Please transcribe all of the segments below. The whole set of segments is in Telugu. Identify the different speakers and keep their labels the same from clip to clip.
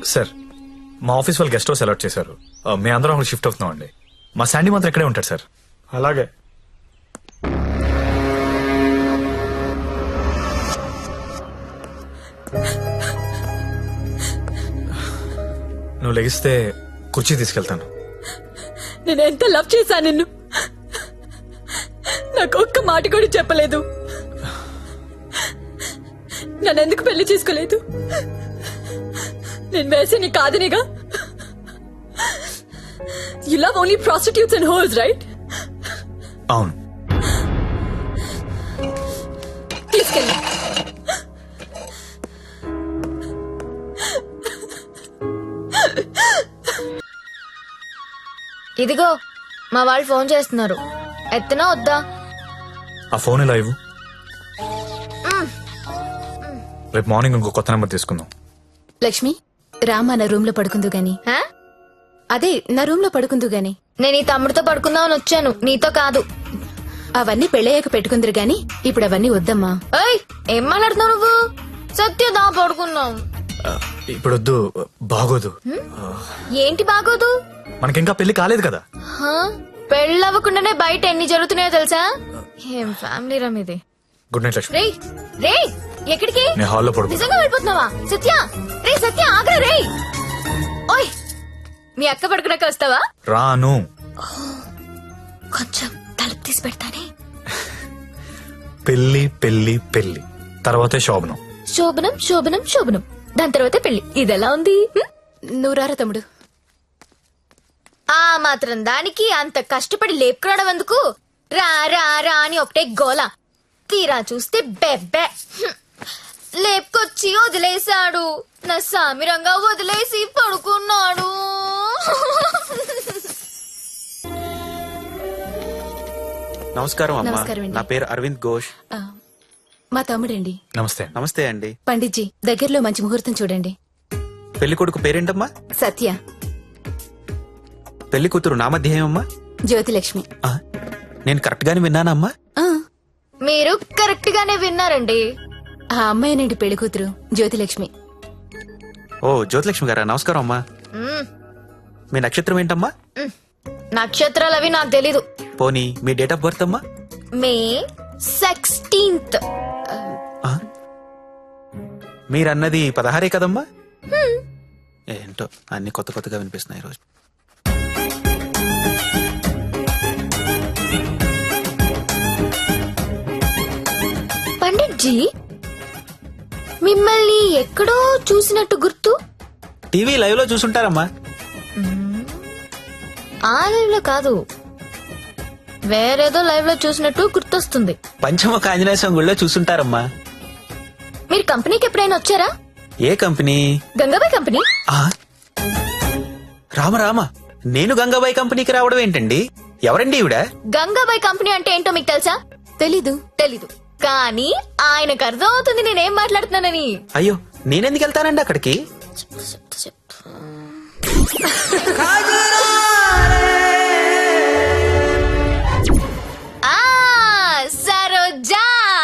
Speaker 1: సార్ మా ఆఫీస్ వాళ్ళు గెస్ట్ హౌస్ అలాట్ చేశారు. మీ అందరం అక్కడ షిఫ్ట్ అవుతున్నాం అండి. మా శాండీ మాత్రం ఇక్కడే ఉంటాడు సార్.
Speaker 2: అలాగే.
Speaker 1: నువ్వు లెగిస్తే కుర్చీ తీసుకెళ్తాను.
Speaker 3: నేను ఎంత లవ్ చేశా నిన్ను, నాకు ఒక్క మాట కూడా చెప్పలేదు. నన్ను ఎందుకు పెళ్లి చేసుకోలేదు? నేను వేసే నీ కాదనిగా. You love only prostitutes and hoes, right?
Speaker 1: అవును.
Speaker 3: తీసుకెళ్ళి.
Speaker 4: ఇదిగో మా వాళ్ళు ఫోన్ చేస్తున్నారు, ఎత్తనా వద్దా?
Speaker 1: ఆ ఫోన్ ఎలా ఇవ్వు. రేపు మార్నింగ్ ఇంకో కొత్త నెంబర్ తీసుకుందాం.
Speaker 5: లక్ష్మి రామా నా రూమ్ లో పడుకుందు గాని.
Speaker 4: హా?
Speaker 5: అదే నా రూమ్ లో పడుకుందు గాని.
Speaker 4: నేను ఈ తమ్ముడితో పడుకుందామని వచ్చాను, నీతో కాదు.
Speaker 5: అవన్నీ పెళ్ళయ్యాక పెట్టుకుందరు గాని ఇప్పుడు అవన్నీ వద్దమ్మా.
Speaker 4: ఏయ్, ఏం మాట్లాడుతున్నావు నువ్వు? సత్యదా పడుకున్నాం.
Speaker 1: ఇప్పుడు వద్దు, బాగోదు.
Speaker 4: ఏంటి బాగోదు?
Speaker 1: మనకింకా పెళ్లి కాలేదు కదా.
Speaker 4: హా? పెళ్ళవ్వకుండానే బయట ఎన్ని జరుగుతున్నాయో తెలుసా? ఏం ఫ్యామిలీ రమ్ ఇది.
Speaker 1: Good night Lakshmi.
Speaker 4: రేయ్ రేయ్, ఎక్కడికి?
Speaker 1: నేను హాల్లో పడుకో.
Speaker 4: నిజంగా వెళ్ళిపోతున్నావా? సత్య రే, సత్య ఆగ్రా. రేయ్ ఓయ్, మీ అక్క పడుకున్నాక వస్తావా?
Speaker 1: రాను.
Speaker 4: కొంచెం తలుపు తీసి పెడతానే.
Speaker 1: పెళ్లి పెళ్లి పెళ్లి తర్వాతే శోభనం.
Speaker 4: శోభనం శోభనం శోభనం, దాని తర్వాత పెళ్లి. ఇదెలా ఉంది?
Speaker 5: నువ్వు రారా తమ్ముడు.
Speaker 4: ఆ మాత్రం దానికి అంత కష్టపడి లేపుకురావడం ఎందుకు? రా రా రా అని ఒకటే గోల. తీరా చూస్తే బెబ్బే. లేపుకొచ్చి వదిలేశాడు, నా సామిరంగా వదిలేసి పడుకున్నాడు.
Speaker 6: నమస్కారం అమ్మా.
Speaker 5: నమస్కారం అండి.
Speaker 6: నా పేరు అరవింద్ ఘోష్.
Speaker 5: ఆ, మా తమ్ముడండి.
Speaker 1: నమస్తే.
Speaker 6: నమస్తే అండి.
Speaker 5: పండిట్జీ దగ్గరలో మంచి ముహూర్తం చూడండి.
Speaker 6: పెళ్లి కొడుకు పేరేంటమ్మా?
Speaker 5: సత్య.
Speaker 6: పెళ్లి కూతురు నామధ్యేయమ్మా?
Speaker 5: జ్యోతిలక్ష్మి.
Speaker 6: నేను కరెక్ట్ గానే విన్నానమ్మా?
Speaker 5: ఆ,
Speaker 4: మీరు కరెక్ట్ గానే విన్నారండి.
Speaker 5: ఆ అమ్మాయినండి పెళ్లి కూతురు జ్యోతిలక్ష్మి.
Speaker 6: ఓ జ్యోతిలక్ష్మి గారా, నమస్కారం అమ్మా.
Speaker 4: మ్మ్.
Speaker 6: మీ నక్షత్రం ఏంటమ్మా?
Speaker 4: నక్షత్రాలు అవి నాకు తెలీదు.
Speaker 6: పోనీ మీ డేట్ ఆఫ్ బర్త్ అమ్మా?
Speaker 4: మే 16th.
Speaker 6: మీరన్నది 16 కదమ్మా? ఏంటో అన్ని కొత్త కొత్తగా వినిపిస్తున్నాయి ఈరోజు.
Speaker 4: పండిట్జీ, మిమ్మల్ని ఎక్కడో చూసినట్టు గుర్తు.
Speaker 6: టీవీ లైవ్ లో చూసుంటారమ్మా.
Speaker 4: ఆ లైవ్ లో కాదు, వేరేదో లైవ్ లో చూసినట్టు గుర్తొస్తుంది.
Speaker 6: పంచముఖ ఆంజనేయ స్వామి గుళ్ళో చూసుంటారమ్మా.
Speaker 4: మీరు కంపెనీకి ఎప్పుడైనా వచ్చారా?
Speaker 6: ఏ కంపెనీ?
Speaker 4: గంగాబాయ్ కంపెనీ.
Speaker 6: ఆ? రామ రామ, నేను గంగాబాయి కంపెనీకి రావడం ఏంటండి? ఎవరండి ఈవిడ?
Speaker 4: గంగాబాయ్ కంపెనీ అంటే ఏంటో మీకు తెలుసా?
Speaker 5: తెలీదు.
Speaker 4: తెలీదు, కానీ ఆయనకు అర్థం అవుతుంది నేనేం మాట్లాడుతున్నానని.
Speaker 6: అయ్యో, నేనెందుకు వెళ్తానండి అక్కడికి?
Speaker 4: ఆ సరోజా.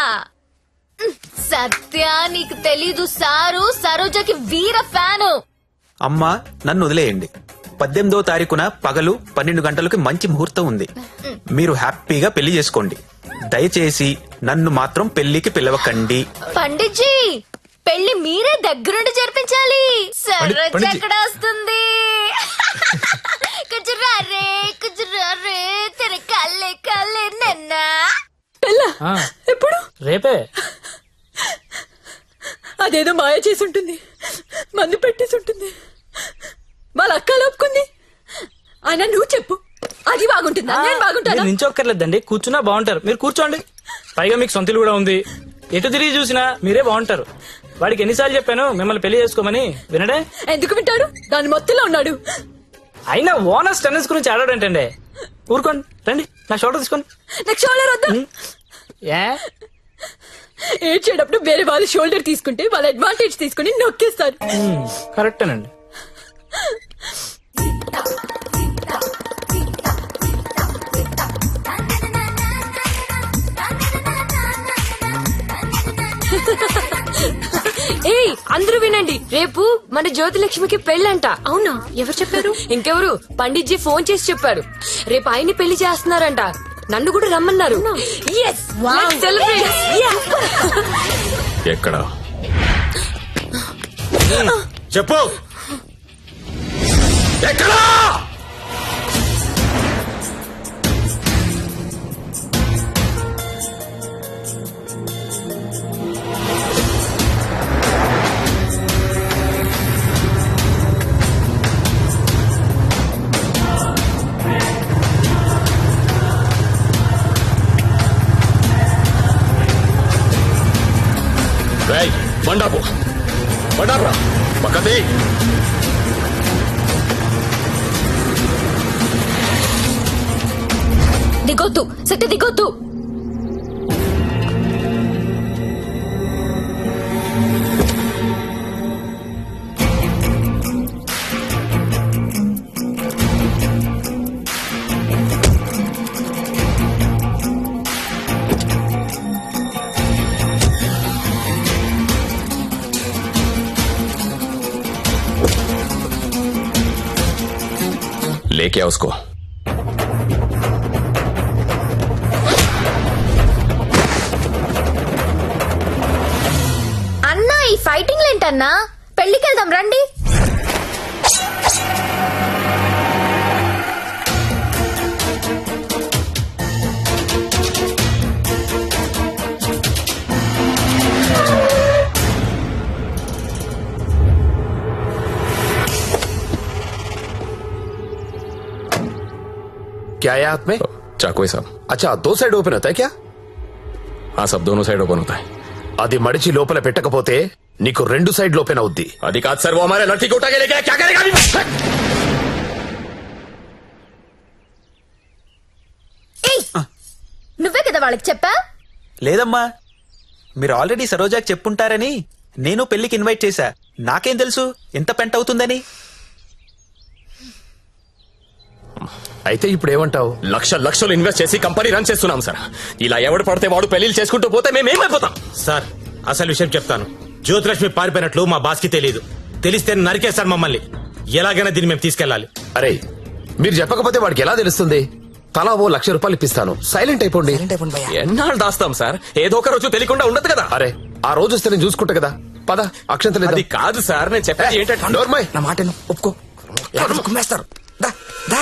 Speaker 4: సత్య, నీకు తెలీదు, సారు సరోజకి వీర ఫ్యాను.
Speaker 6: అమ్మా, నన్ను వదిలేయండి. 18వ తారీఖున పగలు 12 గంటలకి మంచి ముహూర్తం ఉంది. మీరు హ్యాపీగా పెళ్లి చేసుకోండి. దయచేసి నన్ను మాత్రం పెళ్లికి పిలవకండి.
Speaker 4: పండిట్జీ, పెళ్లి మీరే దగ్గరుండి జరిపించాలి. సరోజ
Speaker 1: పండిట్జీ.
Speaker 4: ఎక్కడ వస్తుంది? కుజురారే కుజురారే తెర కల్లే కల్లే నన్న.
Speaker 3: పెళ్ళా? ఎప్పుడు?
Speaker 2: రేపే.
Speaker 3: అదేదో మాయ చేసి ఉంటుంది, మందు పెట్టేసి ఉంటుంది. వాళ్ళ అక్క లోపుకుంది. అయినా నువ్వు చెప్పు, అది బాగుంటుందా? నేను బాగుంటానా?
Speaker 2: నించొక్కర్లేదండి, కూర్చున్నా బాగుంటారు. మీరు కూర్చోండి. పైగా మీకు సొంతలు కూడా ఉంది. ఎటు తిరిగి చూసినా మీరే బాగుంటారు. వాడికి ఎన్నిసార్లు చెప్పాను మిమ్మల్ని పెళ్లి చేసుకోమని, వినడే?
Speaker 3: ఎందుకు వింటాడు? దాని మొత్తంలో ఉన్నాడు.
Speaker 2: అయినా ఓనర్స్ టెన్నిస్ గురించి ఆడాడంటండి. ఊరుకోండి, రండి నా షోల్డర్ తీసుకోండి.
Speaker 3: నాకు షోల్డర్ వద్దా?
Speaker 2: ఏ
Speaker 3: ఏడ్చేటప్పుడు వేరే వాళ్ళు షోల్డర్ తీసుకుంటే వాళ్ళ అడ్వాంటేజ్ తీసుకుని నొక్కేస్తారు.
Speaker 2: కరెక్టేనండి.
Speaker 3: ఏయ్, అందరూ వినండి, రేపు మన జ్యోతిలక్ష్మికి పెళ్ళంట.
Speaker 5: అవునా, ఎవరు చెప్పారు?
Speaker 3: ఇంకెవరు, పండిట్జీ ఫోన్ చేసి చెప్పారు. రేపు ఆయన్ని పెళ్లి చేస్తున్నారంట. నన్ను కూడా రమ్మన్నారు. Yes, let's celebrate. Yeah.
Speaker 7: ఎక్కడ?
Speaker 6: చెప్పు ఎక్కడా?
Speaker 7: బండాపు బండాపురా పక్కది.
Speaker 4: దిగొద్దు సత్య, దిగొద్దు.
Speaker 7: लेके आओ उसको.
Speaker 4: అన్నా ఈ ఫైటింగ్ ఏంటన్నా? పెళ్లికి వెళ్దాం రండి.
Speaker 8: क्या है हाथ में?
Speaker 7: चाकू है साहब.
Speaker 8: अच्छा, 2 साइड ओपन होता है क्या?
Speaker 7: हाँ सब दोनों साइड ओपन होता है.
Speaker 8: అది మడిచి లోపల పెట్టకపోతే నీకు 2 సైడ్ ఓపెన్ అవుద్ది.
Speaker 7: అది కాదు సార్, वो हमारे लड़की को उठा के लेके आया, क्या करेगा अभी?
Speaker 4: ఏయ్, నువ్వే కదా వాళ్ళకి చెప్పా?
Speaker 6: లేదమ్మా, మీరు ఆల్రెడీ సరోజాకి చెప్పుంటారని నేను పెళ్లికి ఇన్వైట్ చేశా. నాకేం తెలుసు ఎంత పెంట అవుతుందని.
Speaker 8: అయితే ఇప్పుడు ఏమంటావు?
Speaker 7: లక్షలు ఇన్వెస్ట్ చేసి కంపెనీ రన్ చేస్తున్నాం సార్. ఇలా ఎవడు పడితే వాడు పెళ్లిళ్ళు చేసుకుంటూ పోతే మేమేమైపోతాం?
Speaker 9: సార్ అసలు విషయం చెప్తాను. జ్యోతిలక్ష్మి పారిపోయినట్లు మా బాస్ కి తెలియదు. తెలిస్తే నరికేస్తారు మమ్మల్ని. ఎలాగైనా దీన్ని మేము తీసుకెళ్లాలి.
Speaker 8: అరే, మీరు చెప్పకపోతే వాడికి ఎలా తెలుస్తుంది? తలా ఓ ₹1,00,000 ఇప్పిస్తాను, సైలెంట్ అయిపోండి.
Speaker 7: ఎన్నాళ్ళు దాస్తాం సార్? ఏదో ఒక రోజు తెలియకుండా ఉండదు కదా.
Speaker 8: అరే, ఆ రోజు వస్తే నేను చూసుకుంటా కదా. పద, అక్షంతలు
Speaker 7: అది కాదు సార్, నేను చెప్పేది ఏంటంటే
Speaker 8: నోర్మయ్.
Speaker 1: నా మాట ఒప్పుకో. కుమ్మేస్తారు. దా దా.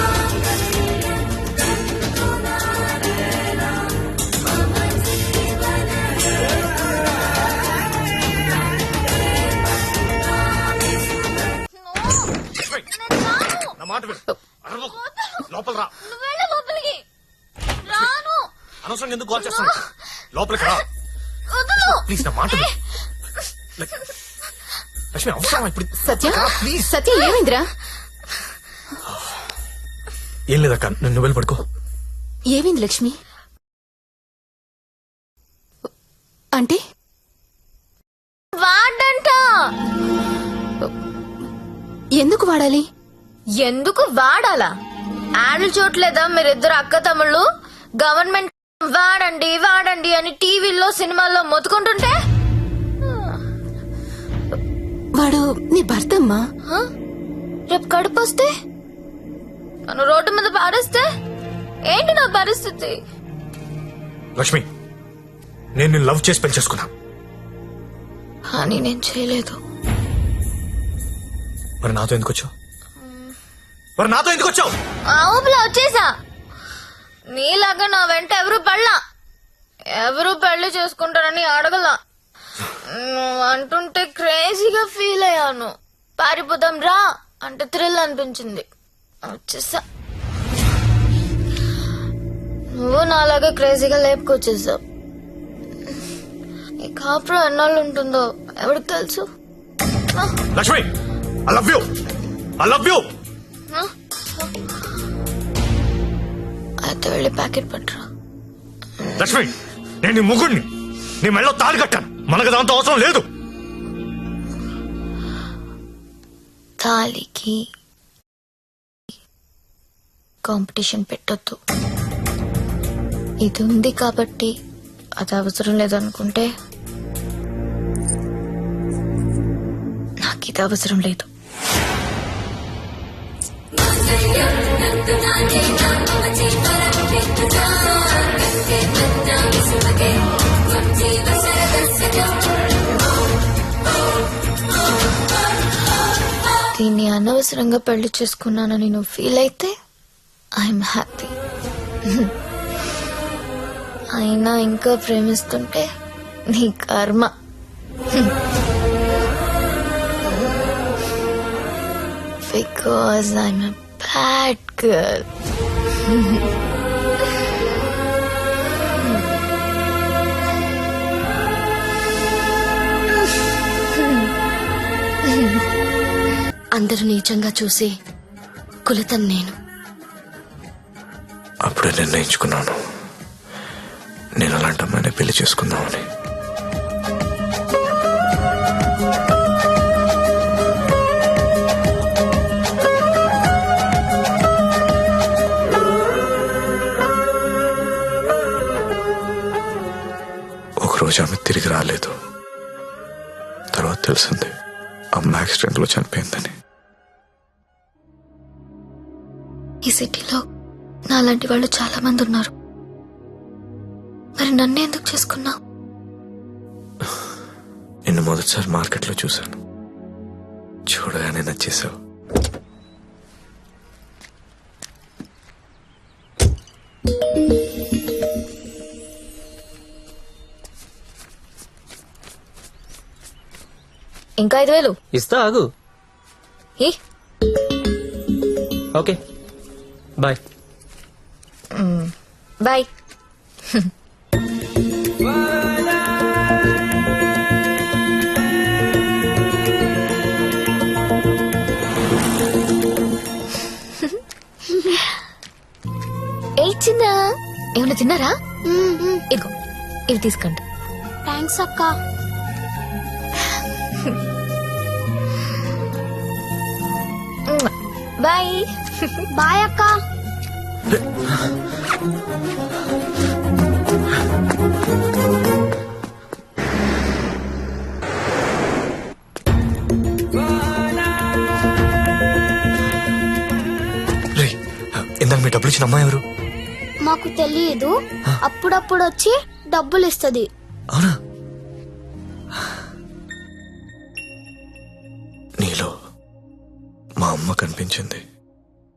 Speaker 9: లోపల రా.
Speaker 4: నువ్వు వెళ్ళు లోపలికి. రాను.
Speaker 9: అనవసరం ఎందుకు కాల్ చేస్తాను? లోపలికి రా
Speaker 4: వదలు.
Speaker 9: ప్లీజ్. నా మాట విను. లక్ష్మి అవసరం ఇప్పుడు.
Speaker 5: సత్య, సత్య ఏమైందిరా?
Speaker 1: ఏం లేదక్క, నువ్వు వెళ్ళి పడుకో.
Speaker 5: ఏమైంది లక్ష్మి? అంటే
Speaker 4: వాడంట.
Speaker 5: ఎందుకు వాడాలి?
Speaker 4: ఎందుకు వాడాలా? యాడ్లు చూడలేదా మీరిద్దరు అక్క తమ్ముళ్ళు? గవర్నమెంట్ వాడండి వాడండి అని టీవీల్లో సినిమాల్లో మొత్తుకుంటుంటే
Speaker 5: వాడు నీ భర్త అమ్మా.
Speaker 4: హ? రేపు కడుపు వస్తే నన్ను రోడ్డు మీద పారేస్తే ఏంటి నా పరిస్థితి?
Speaker 1: లక్ష్మి, నేను నిన్ను లవ్ చేసి పెళ్లి చేసుకున్నా.
Speaker 4: అని నేను చేయలేదు.
Speaker 1: మరి నాతో ఎందుకు వచ్చావు? మరి నాతో ఎందుకు వచ్చావు?
Speaker 4: ఆ ఊపిలో వచ్చేసా. నీలాగా నా వెంట ఎవరు పడలా. ఎవరు పెళ్లి చేసుకుంటారని అడగలా. నువ్వు అంటుంటే క్రేజీగా ఫీల్ అయ్యాను. పారిపోదాం రా అంటే థ్రిల్ అనిపించింది. వచ్చేసా. నువ్వు నాలాగా క్రేజీగా లేపుకొచ్చేసావు. ఈ కాపురం ఎన్నాళ్ళు ఉంటుందో ఎవరికి తెలుసు?
Speaker 1: Lakshmi, I love you. I love you.
Speaker 4: అయితే వెళ్ళి ప్యాకెట్ పట్టరా.
Speaker 1: లక్ష్మి, నేను నీ ముగ్గుడిని. నీ మెళ్ళో తాళి కట్టాను. మనకు దాంతో అవసరం లేదు.
Speaker 4: తాలికి కాంపిటీషన్ పెట్టొద్దు. ఇది ఉంది కాబట్టి అది అవసరం లేదనుకుంటే ఇది అవసరం లేదు. దీన్ని అనవసరంగా పెళ్లి చేసుకున్నానని నువ్వు ఫీల్ అయితే ఐఎమ్ హ్యాపీ. అయినా ఇంకా ప్రేమిస్తుంటే నీ కర్మ. Because I'm a bad girl. అందరూ నీచంగా చూసి కులతను నేను.
Speaker 1: అప్పుడే నిర్ణయించుకున్నాను నేను అలాంటి అమ్మాయిని పెళ్లి చేసుకుందామని. ఒకరోజు ఆమె తిరిగి రాలేదు. తర్వాత తెలిసింది అమ్మ యాక్సిడెంట్ లో చనిపోయిందని.
Speaker 4: ఈ సిటీలో నాలాంటి వాళ్ళు చాలా మంది ఉన్నారు. మరి నన్ను ఎందుకు చేసుకున్నావు?
Speaker 1: నిన్ను మొదటిసారి మార్కెట్లో చూశాను. చూడగానే నచ్చేసావు.
Speaker 4: ఇంకా 5,000
Speaker 2: ఇస్తా, ఆగు.
Speaker 4: ఏ
Speaker 2: ఓకే, బాయ్.
Speaker 4: బాయ్. ఏ చిన్న ఏమైనా తిన్నారా? ఇదిగో ఇవి తీసుకోండి.
Speaker 5: థ్యాంక్స్ అక్క.
Speaker 4: బాయ్.
Speaker 5: బాయ్ అక్క.
Speaker 1: రేయ్, ఇందాక మీ డబ్బులు ఇచ్చిన అమ్మాయి ఎవరు?
Speaker 5: మాకు తెలియదు, అప్పుడప్పుడు వచ్చి డబ్బులు ఇస్తది.
Speaker 1: అవునా? నీలో మా అమ్మ కనిపించింది.